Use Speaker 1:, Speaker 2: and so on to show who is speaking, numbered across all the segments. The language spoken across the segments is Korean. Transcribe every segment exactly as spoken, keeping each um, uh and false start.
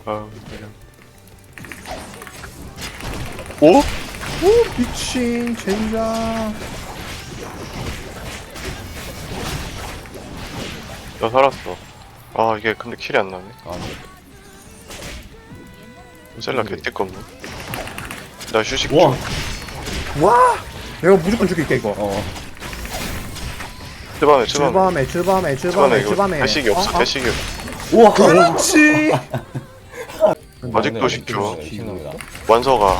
Speaker 1: 아 그냥. 오?
Speaker 2: 오 미친 젠장.
Speaker 1: 나 살았어. 아 이게 근데 킬이 안 나네.
Speaker 3: 아니
Speaker 1: 셀라 개띠껍네. 나 휴식
Speaker 3: 우와.
Speaker 1: 중.
Speaker 2: 와 내가 무조건 죽일게 이거.
Speaker 3: 어
Speaker 1: 츠바메 츠바메.
Speaker 2: 츠밤에 츠밤에
Speaker 1: 츠바메
Speaker 2: 츠밤에
Speaker 1: 이거
Speaker 2: 츠밤에.
Speaker 1: 대식이 없어.
Speaker 2: 어, 어?
Speaker 1: 대식이 없어.
Speaker 3: 우와
Speaker 2: 그렇지.
Speaker 1: 아직도 쉽죠.
Speaker 3: 미친놈이다.
Speaker 1: 완서가.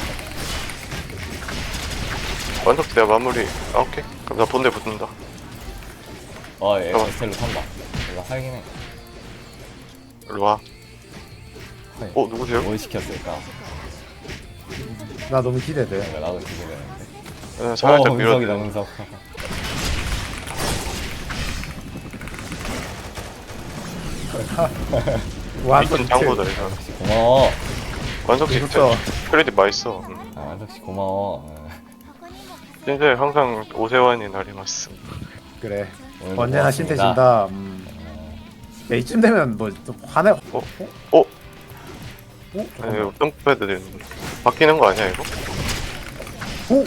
Speaker 1: 완석 내가 마무리. 아 오케이. 그럼 나 본대 붙는다.
Speaker 3: 아얘
Speaker 1: 어.
Speaker 3: 에스텔로 산다. 내가 살긴 해.
Speaker 1: 일로 와.
Speaker 3: 네.
Speaker 1: 어 누구세요?
Speaker 3: 뭘 시켰을까?
Speaker 2: 나 너무 기대돼.
Speaker 3: 내가 나도 기대되는데.
Speaker 1: 네,
Speaker 3: 어
Speaker 1: 살짝
Speaker 3: 은석이다
Speaker 1: 밀어.
Speaker 3: 은석.
Speaker 2: 와
Speaker 1: 이쁜 장보다 이거.
Speaker 3: 완석씨 고마워.
Speaker 1: 완석 씨
Speaker 2: 그렇죠.
Speaker 1: 크레딧 맛있어. 응.
Speaker 3: 아 완석씨 고마워. 어.
Speaker 1: 신세 항상 오세환이 날이 맞습.
Speaker 2: 그래.
Speaker 3: 오늘도
Speaker 2: 언제나
Speaker 3: 고맙습니다.
Speaker 2: 신태진다. 음.
Speaker 3: 어,
Speaker 2: 야, 이쯤 되면 뭐또 화내. 어?
Speaker 1: 어?
Speaker 2: 어?
Speaker 1: 어?
Speaker 2: 어?
Speaker 1: 아니 이거 똥패드 되는 거. 바뀌는 거 아니야 이거?
Speaker 2: 오?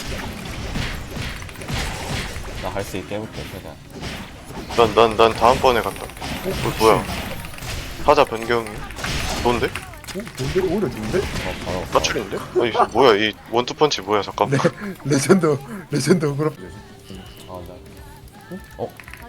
Speaker 3: 나할 수 있게 해볼게 최대한.
Speaker 1: 난 난 난 다음번에 간다. 어, 뭐야? 타자 변경이? 좋은데?
Speaker 2: 어? 좋은데? 오히려 좋은데?
Speaker 3: 어 바로.
Speaker 1: 까출인데? 아니 뭐야 이 원투펀치 뭐야 잠깐만.
Speaker 2: 레전드 레전드 그럼.
Speaker 3: 아 나. 어?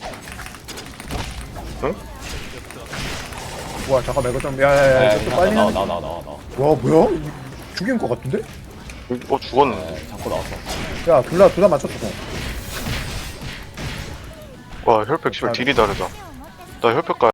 Speaker 2: 와 잠깐만 이거 좀 야야야
Speaker 3: 야,
Speaker 2: 이거 좀
Speaker 3: 나,
Speaker 2: 빨리
Speaker 3: 나와
Speaker 2: 하는.
Speaker 3: 나와 나와 나와.
Speaker 2: 와 뭐야? 죽인 거 같은데?
Speaker 1: 어 죽었네.
Speaker 3: 네, 자꾸 나왔어.
Speaker 2: 야 둘다 둘 다 맞췄어.
Speaker 1: 와 혈팩 씨발 딜이 다르다. 나 혈팩 가.